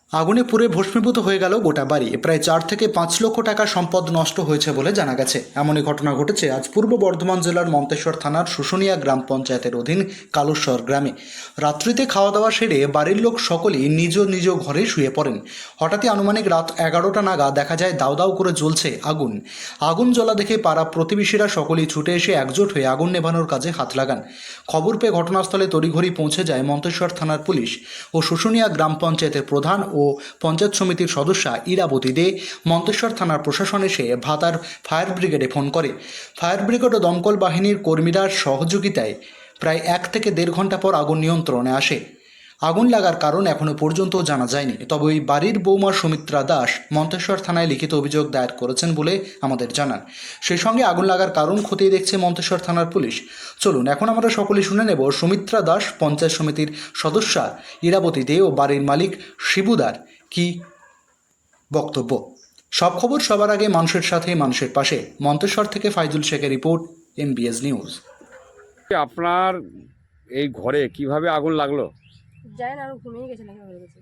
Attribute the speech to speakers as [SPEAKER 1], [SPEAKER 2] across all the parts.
[SPEAKER 1] আগুনে পুড়ে ভস্মীভূত হয়ে গেল গোটা বাড়ি। প্রায় 4 থেকে 5 লক্ষ টাকা সম্পদ নষ্ট হয়েছে বলে জানা গেছে। এমনই ঘটনা ঘটেছে আজ পূর্ব বর্ধমান জেলার মন্তেশ্বর থানার শুশুনিয়া গ্রাম পঞ্চায়েতের অধীন কালুশ্বর গ্রামে। রাত্রিতে খাওয়া দাওয়া সেরে বাড়ির লোক সকলেই নিজ নিজ ঘরে শুয়ে পড়েন। হঠাৎই আনুমানিক রাত 11টা নাগাদ দেখা যায় দাউ দাউ করে জ্বলছে আগুন। আগুন জ্বলা দেখে পাড়া প্রতিবেশীরা সকলেই ছুটে এসে একজোট হয়ে আগুন নেভানোর কাজে হাত লাগান। খবর পেয়ে ঘটনাস্থলে তড়িঘড়ি পৌঁছে যায় মন্তেশ্বর থানার পুলিশ ও শুশুনিয়া গ্রাম পঞ্চায়েতের প্রধান ও পঞ্চায়েত সমিতির সদস্যা ইরাবতী দে। মন্তেশ্বর থানার প্রশাসন এসে ভাতার ফায়ার ব্রিগেডে ফোন করে। ফায়ার ব্রিগেড ও দমকল বাহিনীর কর্মীরা সহযোগিতায় প্রায় 1 থেকে দেড় ঘন্টা পর আগুন নিয়ন্ত্রণে আসে। আগুন লাগার কারণ এখনো পর্যন্ত জানা যায়নি, তবে ওই বাড়ির বৌমা সুমিত্রা দাস মন্তেশ্বর থানায় লিখিত অভিযোগ দায়ের করেছেন বলে আমাদের জানান। সেই সঙ্গে আগুন লাগার কারণ খতিয়ে দেখছে মন্তেশ্বর থানার পুলিশ। চলুন এখন আমরা সকলে শুনে নেব সুমিত্রা দাস, পঞ্চায়েত সমিতির সদস্যা ইরাবতী দে ও বাড়ির মালিক শিবুদার কি বক্তব্য। সব খবর সবার আগে মানুষের সাথে মানুষের পাশে। মন্তেশ্বর থেকে ফাইজুল শেখের রিপোর্ট, MBS নিউজ।
[SPEAKER 2] আপনার এই ঘরে কিভাবে আগুন লাগলো?
[SPEAKER 3] জানি না, আমি ঘুমিয়ে গেছিলাম হয়ে গেছে।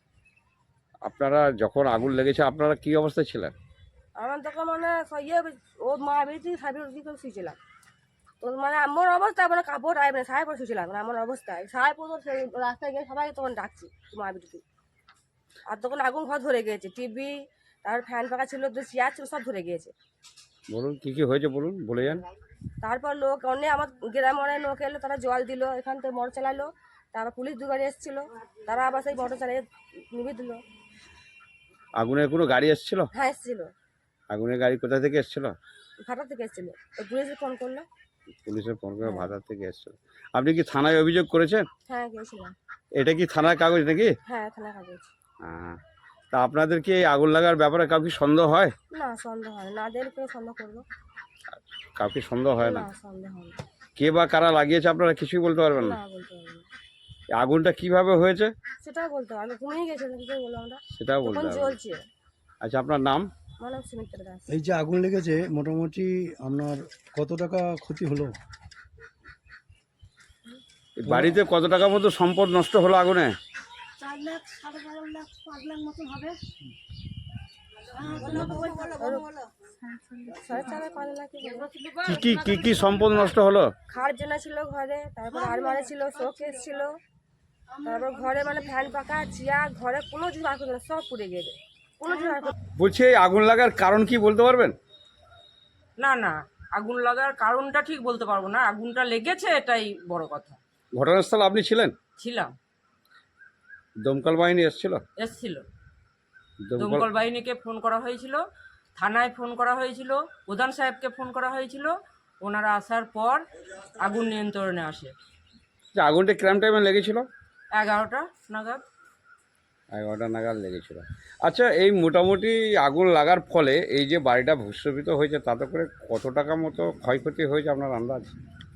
[SPEAKER 2] আপনারা যখন আগুন লেগেছে আপনারা কি অবস্থায় ছিলেন?
[SPEAKER 3] আমার তখন মানে ও মা বেরিয়েছি সাহেবের করে শুয়েছিলাম। তো মানে আমার অবস্থায় মানে কাপড় আইবে না, সাহেব শুয়েছিলাম মানে আমার অবস্থায় সাহেব তো সেই রাস্তায় গিয়ে সবাই তখন ডাকছি মা বেরিয়েছি। আর তখন আগুন ঘর ধরে গিয়েছে, টিভি তারপর ফ্যান পাখা ছিল, যে চেয়ার ছিল সব ধরে গিয়েছে।
[SPEAKER 2] বলুন কি কি হয়েছে, বলুন, বলে যান।
[SPEAKER 3] তারপর লোক অনেক আমার গ্রামে অনেক লোক এলো, তারা জল দিল, এখান থেকে মোটর চালালো। তারপর পুলিশ 2 গাড়ি এসেছিলো, তারা আবার সেই মোটর চালিয়ে নিভিয়ে দিল।
[SPEAKER 2] আগুনের কোনো গাড়ি এসেছিল?
[SPEAKER 3] হ্যাঁ এসেছিলো,
[SPEAKER 2] আগুনের গাড়ি কোথা থেকে এসেছিল?
[SPEAKER 3] ভাটা থেকে এসেছিলো। ওই পুলিশে ফোন করলো।
[SPEAKER 2] পুলিশের ফোন করে
[SPEAKER 3] হ্যাঁ।
[SPEAKER 2] ভাতার থেকে এসেছিল। আপনি কি থানায় অভিযোগ করেছেন?
[SPEAKER 3] হ্যাঁ গিয়েছিলাম।
[SPEAKER 2] এটা কি থানার কাগজ নাকি?
[SPEAKER 3] হ্যাঁ থানা কাগজ।
[SPEAKER 2] হ্যাঁ। তা আপনাদের কি এই আগুন লাগার ব্যাপারে কাউকে সন্দেহ হয়?
[SPEAKER 3] না সন্দেহ হয় না, না কেউ সন্দেহ করবো।
[SPEAKER 2] কাউকে সন্দেহ হয় না?
[SPEAKER 3] না সন্দেহ হয় না।
[SPEAKER 2] কে বা কারা লাগিয়েছে আপনারা কিছুই বলতে পারবেন না?
[SPEAKER 3] না বলতে পারবো না।
[SPEAKER 2] এই আগুনটা কিভাবে হয়েছে
[SPEAKER 3] সেটাও বলতে পারবো, আমি ঘুমিয়ে গেছিলাম, কিছু বলবো আমরা।
[SPEAKER 2] সেটাও বলতে
[SPEAKER 3] তখন
[SPEAKER 2] হবে।
[SPEAKER 3] জ্বলছে।
[SPEAKER 2] আচ্ছা, আপনার নাম?
[SPEAKER 3] আমার নাম সুমিত্রা দাস।
[SPEAKER 4] এই যে আগুন লেগেছে, মোটামুটি আপনার কত টাকা ক্ষতি হলো?
[SPEAKER 2] এই বাড়িতে কত টাকা মতো সম্পদ নষ্ট হলো আগুনে?
[SPEAKER 3] 4 লাখ 4.5 লাখ 5 লাখ মতন হবে। 4.5 লাখ
[SPEAKER 2] কি কি সম্পদ নষ্ট হলো?
[SPEAKER 3] খাট জেনা ছিল ঘরে, তারপর আলমারি ছিল, শোকেস ছিল, তারপর ঘরে মানে ফ্যান পাখা চেয়ার, ঘরে কোনো কিছু বার করতে না, সব পুড়ে গেছে। কোনো কিছু বার করতে
[SPEAKER 2] বলছি এই আগুন লাগার কারণ কি বলতে পারবেন?
[SPEAKER 5] না না, আগুন লাগার কারণটা ঠিক বলতে পারবো না, আগুনটা লেগেছে এটাই বড় কথা।
[SPEAKER 2] ঘটনাস্থলে আপনি ছিলেন?
[SPEAKER 5] ছিলাম।
[SPEAKER 2] দমকল বাহিনী এসেছিল?
[SPEAKER 5] এসছিল,
[SPEAKER 2] দমকল
[SPEAKER 5] দমকল বাহিনীকে ফোন করা হয়েছিল, থানায় ফোন করা হয়েছিল, প্রধান সাহেবকে ফোন করা হয়েছিল। ওনারা আসার পর আগুন নিয়ন্ত্রণে আসে।
[SPEAKER 2] যে আগুনটা কিরম টাইমে লেগেছিল?
[SPEAKER 5] 11টা নাগাদ।
[SPEAKER 2] 11টা নাগাদ লেগেছিল। আচ্ছা, এই মোটামুটি আগুন লাগার ফলে এই যে বাড়িটা ভূস্খলিত হয়েছে তাতে করে কত টাকা মতো ক্ষয়ক্ষতি হয়েছে আপনার আন্দাজ?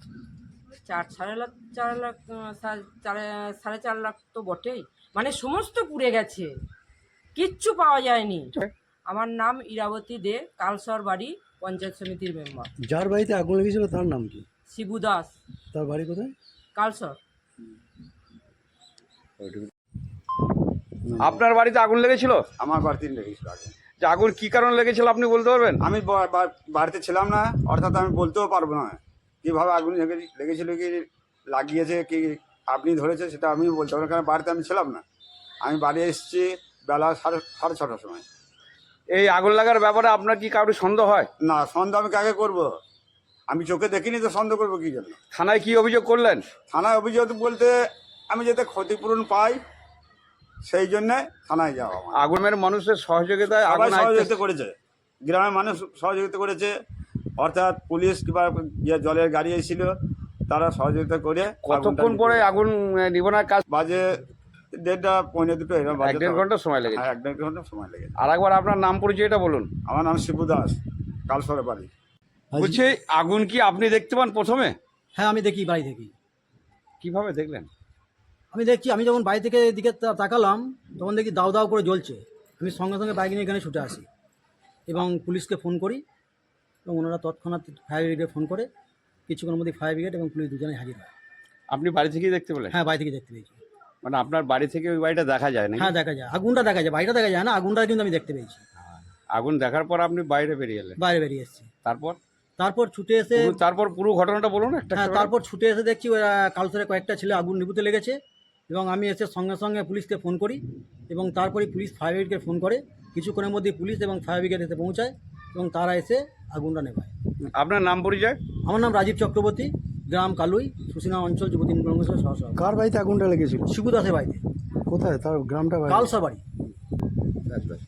[SPEAKER 5] 4.5 লাখ 4.5 লাখ তো বটেই, মানে সমস্ত পুড়ে গেছে, কিচ্ছু পাওয়া যায়নি। আমার নাম ইরাবতী দে, কালসর বাড়ি, পঞ্চায়েত সমিতির মেম্বার।
[SPEAKER 4] যার বাড়িতে আগুন লেগেছিল তার নাম কি?
[SPEAKER 5] শিবু দাস,
[SPEAKER 4] তার বাড়ি কোথায়?
[SPEAKER 5] কালসর।
[SPEAKER 2] আপনার বাড়িতে আগুন লেগেছিল?
[SPEAKER 6] আমার বাড়িতে লেগেছিল আগে।
[SPEAKER 2] যে আগুন কি কারণে লেগেছিল আপনি বলতে পারবেন?
[SPEAKER 6] আমি বাড়িতে ছিলাম না, অর্থাৎ আমি বলতেও পারবো না কীভাবে আগুন লেগেছিল, কি লাগিয়েছে, কি আপনি ধরেছে সেটা আমি বলতে পারবো না, কারণ বাড়িতে আমি ছিলাম না। আমি বাড়ি এসেছি বেলা সাড়ে 6টার সময়।
[SPEAKER 2] এই আগুন লাগার ব্যাপারে আপনার কি কারোর সন্দেহ হয়?
[SPEAKER 6] না, সন্দেহ আমি কাকে করব? আমি চোখে দেখিনি তো সন্দেহ করবো কী জন্য?
[SPEAKER 2] থানায় কি অভিযোগ করলেন?
[SPEAKER 6] থানায় অভিযোগ বলতে আমি যাতে ক্ষতিপূরণ পাই সেই জন্যে থানায় যাওয়া আমার।
[SPEAKER 2] আগুনের মানুষের সহযোগিতায়
[SPEAKER 6] সবাই
[SPEAKER 2] আগুন
[SPEAKER 6] সহযোগিতা করেছে, গ্রামের মানুষ সহযোগিতা করেছে, অর্থাৎ পুলিশ কিংবা যে জলের গাড়ি এসেছিল তারা সহযোগিতা করে।
[SPEAKER 2] কতক্ষণ পরে আগুন নিবানোর কাজ?
[SPEAKER 6] বাজে 1:30 পৌনে 2 এরকম বাজে।
[SPEAKER 2] 1-1.5 ঘন্টা সময় লেগেছে।
[SPEAKER 6] হ্যাঁ, 1-1.5 ঘন্টা সময় লেগেছে।
[SPEAKER 2] আর একবার আপনার নাম পরিচয়টা বলুন।
[SPEAKER 6] আমার নাম শিবু দাস, কালসরে বাড়ি।
[SPEAKER 2] বলছি আগুন কি আপনি দেখতে পান প্রথমে?
[SPEAKER 7] হ্যাঁ আমি দেখি বাড়ি থেকে।
[SPEAKER 2] কিভাবে দেখলেন?
[SPEAKER 7] আমি দেখছি, আমি যখন বাড়ি থেকে এদিকে তাকালাম তখন দেখি দাউ দাউ করে জ্বলছে। আমি সঙ্গে সঙ্গে বাইক নিয়ে এখানে ছুটে আসি এবং পুলিশকে ফোন করি এবং ওনারা তৎক্ষণাৎ ফায়ার ব্রিগেডে ফোন করে কিছুক্ষণের মধ্যে ফায়ার ব্রিগেড এবং পুলিশ দুজনেই হাজির হয়।
[SPEAKER 2] আপনি বাড়ি থেকেই দেখতে পেলেন?
[SPEAKER 7] হ্যাঁ বাড়ি থেকে দেখতে পেয়েছি।
[SPEAKER 2] মানে আপনার বাড়ি থেকে ওই বাড়িটা দেখা যায় না?
[SPEAKER 7] হ্যাঁ দেখা যায়, আগুনটা দেখা যায়, বাড়িটা দেখা যায় না, আগুনটা কিন্তু আমি দেখতে পেয়েছি।
[SPEAKER 2] আগুন দেখার পর আপনি বাইরে বেরিয়ে এলেন,
[SPEAKER 7] বাইরে বেরিয়ে এসেছি,
[SPEAKER 2] তারপর
[SPEAKER 7] তারপর ছুটে এসে
[SPEAKER 2] তারপর পুরো ঘটনাটা বলুন একটা
[SPEAKER 7] হ্যাঁ
[SPEAKER 2] একটা করে।
[SPEAKER 7] তারপর ছুটে এসে দেখছি ওরা কালসরে কয়েকটা ছেলে আগুন নিভুতে লেগেছে এবং আমি এসে সঙ্গে সঙ্গে পুলিশকে ফোন করি এবং তারপরে পুলিশ ফায়ার ব্রিগেডকে ফোন করে। কিছুক্ষণের মধ্যে পুলিশ এবং ফায়ার ব্রিগেড এসে পৌঁছায় এবং তারা এসে আগুনটা নেভায়।
[SPEAKER 2] আপনার নাম পরিচয়?
[SPEAKER 7] আমার নাম রাজীব চক্রবর্তী, গ্রাম কালুই, সুসিনা অঞ্চল যুবতী কংগ্রেসের সহসভাপতি।
[SPEAKER 4] কার বাড়িতে আগুনটা লেগেছিল?
[SPEAKER 7] শিবু দাসের বাড়িতে,
[SPEAKER 4] কোথায় তার গ্রামটা?
[SPEAKER 7] কালসর বাড়ি।
[SPEAKER 2] ব্যাস ব্যাস।